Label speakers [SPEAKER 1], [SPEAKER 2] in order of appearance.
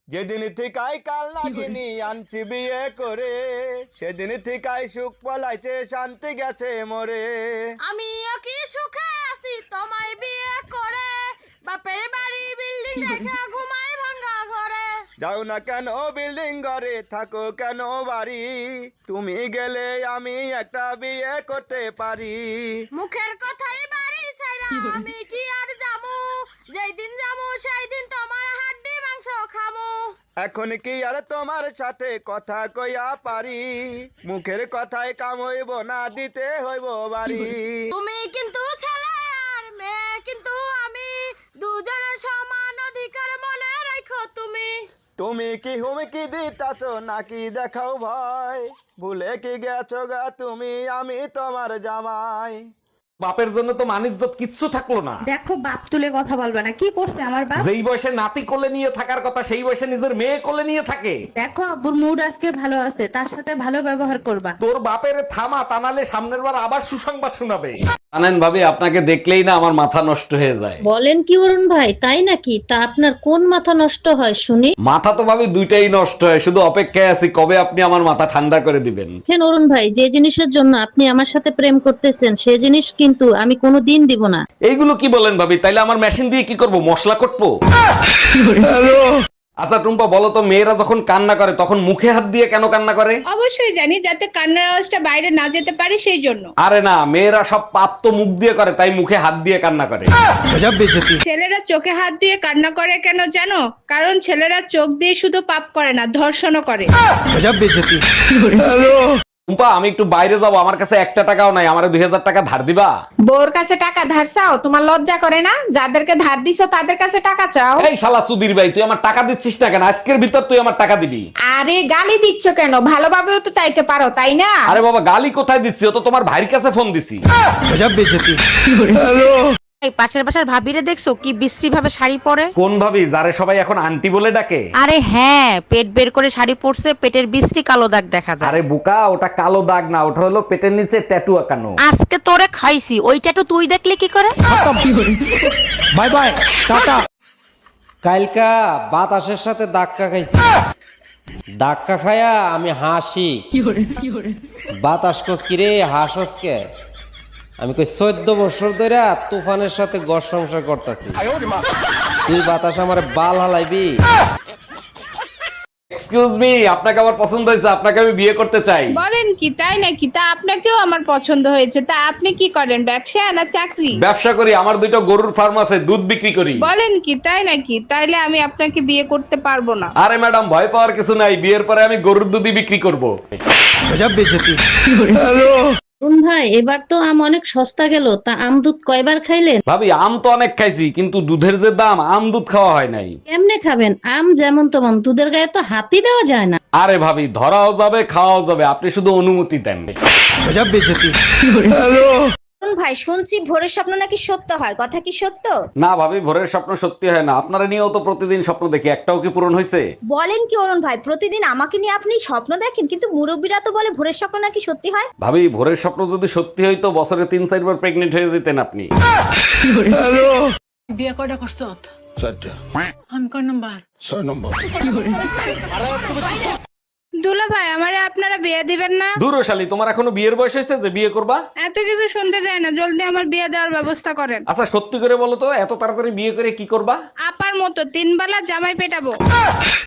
[SPEAKER 1] যেদিন থেকাই কাল লাগিনি আনছি বিয়ে করে, সেদিন থেকাই সুখ পলাইছে শান্তি গেছে মরে।
[SPEAKER 2] আমিও কি সুখে আছি তোমায় বিয়ে করে, বাপের বাড়ি বিল্ডিং রেখে ঘুমাই ভাঙা ঘরে।
[SPEAKER 1] যাও না কেন বিল্ডিং ঘরে, থাকো কেন বাড়ি, তুমি গেলে আমি একটা বিয়ে করতে পারি।
[SPEAKER 2] মুখের কথাই বাড়ি ছাইরা আমি কি আর যামু, যেই দিন যামু সেই দিন তোমার হাড্ডি মাংস খামু।
[SPEAKER 1] এখন কি আর তোমার সাথে কথা কইয়া পারি, মুখের কথায় কাম হইব না, দিতে হইব বাড়ি।
[SPEAKER 2] তুমি কিন্তু ছেলে আর মেয়ে কিন্তু আমি, দুজনের সমান অধিকার মনে রাখো তুমি।
[SPEAKER 1] তুমি কি হুমকি দিতাছ নাকি দেখাও ভয়, ভুলে কি গেছো গা তুমি আমি তোমার জামাই।
[SPEAKER 3] বাপের জন্য তো মানিজ্জত কিচ্ছু থাকলো না।
[SPEAKER 4] দেখো বাপ তুলে কথা বলবে না, কি করছে আমার বাপ?
[SPEAKER 3] যেই বয়সে নাতি কোলে নিয়ে থাকার কথা সেই বয়সে নিজের মেয়ে কোলে নিয়ে থাকে।
[SPEAKER 4] দেখো আব্বুর মুড আজকে ভালো আছে, তার সাথে ভালো ব্যবহার করবা।
[SPEAKER 3] তোর বাপের থামা, তা নাহলে সামনের বার আবার সুসংবাদ শোনাবে। জানেন ভাবি, আপনাকে দেখলেই না আমার মাথা নষ্ট হয়ে যায়।
[SPEAKER 5] বলেন কি অরুণ ভাই, তাই নাকি? তা আপনার কোন মাথা নষ্ট হয় শুনি?
[SPEAKER 3] মাথা তো ভাবি দুইটাই নষ্ট হয়, শুধু অপেক্ষায় আছি কবে আপনি আমার মাথা ঠান্ডা করে দিবেন।
[SPEAKER 5] দেখেন অরুণ ভাই, যে জিনিসের জন্য আপনি আমার সাথে প্রেম করতেছেন সে জিনিস কিন্তু আমি কোনোদিন দিব না।
[SPEAKER 3] এইগুলো কি বলেন ভাবি? তাইলে আমার মেশিন দিয়ে কি করব? মশলা কটবো? আচ্ছা টুম্পা, বলো তো, মেয়েরা যখন কান্না করে তখন মুখে হাত দিয়ে কেন কান্না করে?
[SPEAKER 6] অবশ্যই জানি, যাতে কান্নার আওয়াজটা বাইরে না যেতে পারে সেই জন্য।
[SPEAKER 3] আরে না, মেয়েরা সব পাপ তো মুখ দিয়ে করে, তাই মুখে হাত দিয়ে কান্না করে।
[SPEAKER 6] ছেলেরা চোখে হাত দিয়ে কান্না করে কেন জানো? কারণ ছেলেরা চোখ দিয়ে শুধু পাপ করে না, ধর্ষণও করে।
[SPEAKER 3] টুম্পা, আমি একটু বাইরে যাবো, আমার কাছে একটা টাকাও নাই, আমারে 2000 টাকা ধার দিবা?
[SPEAKER 7] বউর কাছে টাকা ধার চাও? তোমার লজ্জা করে না? যাদেরকে ধার দিছো তাদের কাছে টাকা চাও?
[SPEAKER 3] এই শালা সুধীর ভাই, তুই আমার টাকা দিচ্ছিস না কেন? আজকের ভিতর তুই আমার টাকা দিবি।
[SPEAKER 7] আরে গালি দিচ্ছ কেন? ভালোভাবেও তো চাইতে পারো, তাই না?
[SPEAKER 3] আরে বাবা, গালি কোথায় দিচ্ছি? ও তো তোমার ভাইয়ের কাছে ফোন দিছি।
[SPEAKER 8] এই পাশের বাসার ভাবিরে দেখছো কি বিশ্রী ভাবে শাড়ি পরে?
[SPEAKER 3] কোন ভাবি, যারে সবাই এখন আন্টি বলে ডাকে?
[SPEAKER 8] আরে হ্যাঁ, পেট বের করে শাড়ি পরছে, পেটের বিশ্রী কালো দাগ দেখা যায়।
[SPEAKER 3] আরে বোকা, ওটা কালো দাগ না, ওটা হলো পেটের নিচে ট্যাটু আঁকানো।
[SPEAKER 8] আজকে তোরে খাইছি, ওইটা তো তুই দেখলে কি করে?
[SPEAKER 9] Bye bye tata. কালকা বাতাসের সাথে ধাক্কা খাইছি, ধাক্কা খায়া আমি হাসি। বাতাস কো কিরে হাসস কে? আমি কই 14 বছর ধরে তুফানের সাথে ঘর সংসার করতেছি, তুই বাতাস আমার বাল হালাইবি?
[SPEAKER 3] এক্সকিউজ মি, আপনাকে আমার পছন্দ হয়েছে, আপনাকে আমি বিয়ে করতে চাই।
[SPEAKER 6] বলেন কি, তাই নাকি? তা আপনাকেও আমার পছন্দ হয়েছে। তা আপনি কি করেন, ব্যবসা না চাকরি?
[SPEAKER 3] ব্যবসা করি, আমার 2টা গরুর ফার্ম আছে, দুধ বিক্রি করি।
[SPEAKER 6] বলেন কি, তাই নাকি? তাইলে আমি আপনাকে বিয়ে করতে পারবো না।
[SPEAKER 3] আরে ম্যাডাম, ভয় পাওয়ার কিছু নাই, বিয়ের পরে আমি গরুর দুধই বিক্রি করব।
[SPEAKER 5] অরুণ ভাই, এবার তো আম অনেক সস্তা গেল, তা আম দুধ কয়বার খাইলেন?
[SPEAKER 3] ভাবি, আম তো অনেক খাইছি, কিন্তু দুধের যে দাম, আম দুধ খাওয়া হয় নাই।
[SPEAKER 5] কেমনে খাবেন? আম যেমন তেমন, দুধের গায়ে তো হাতই দেওয়া যায় না।
[SPEAKER 3] আরে ভাবি, ধরাও যাবে খাওয়াও যাবে, আপনি শুধু অনুমতি দেন।
[SPEAKER 10] ভাই শুনছি ভোরের স্বপ্ন নাকি সত্য হয়, কথা কি সত্য?
[SPEAKER 3] না ভাবি, ভোরের স্বপ্ন সত্যি হয় না। আপনারা নিয়েও তো প্রতিদিন স্বপ্ন দেখি, একটাও কি পূরণ হয়েছে?
[SPEAKER 10] বলেন কি অরুণ ভাই, প্রতিদিন আমাকে নিয়ে আপনি স্বপ্ন দেখেন, কিন্তু মুরব্বীরা তো বলে ভোরের স্বপ্ন নাকি সত্যি হয়।
[SPEAKER 3] ভাবি, ভোরের স্বপ্ন যদি সত্যি হইতো বছরে 3-4 বার প্রেগনেন্ট হয়ে যেতেন আপনি।
[SPEAKER 7] বিয়ে কয়টা করছো? 4টা। আমি কয় নাম্বার? 6 নম্বর।
[SPEAKER 6] দুলা ভাই, আমারে আপনারা বিয়ে দিবেন না?
[SPEAKER 3] দূর শালী, তোমার এখনো বিয়ের বয়স হয়েছে যে বিয়ে করবা?
[SPEAKER 6] এত কিছু শুনতে চাই না, জলদি আমার বিয়ে দেওয়ার ব্যবস্থা করেন।
[SPEAKER 3] আচ্ছা সত্যি করে বলো তো, এত তাড়াতাড়ি বিয়ে করে কি করবা?
[SPEAKER 6] আপার মতো 3 বেলা জামাই পেটাবো।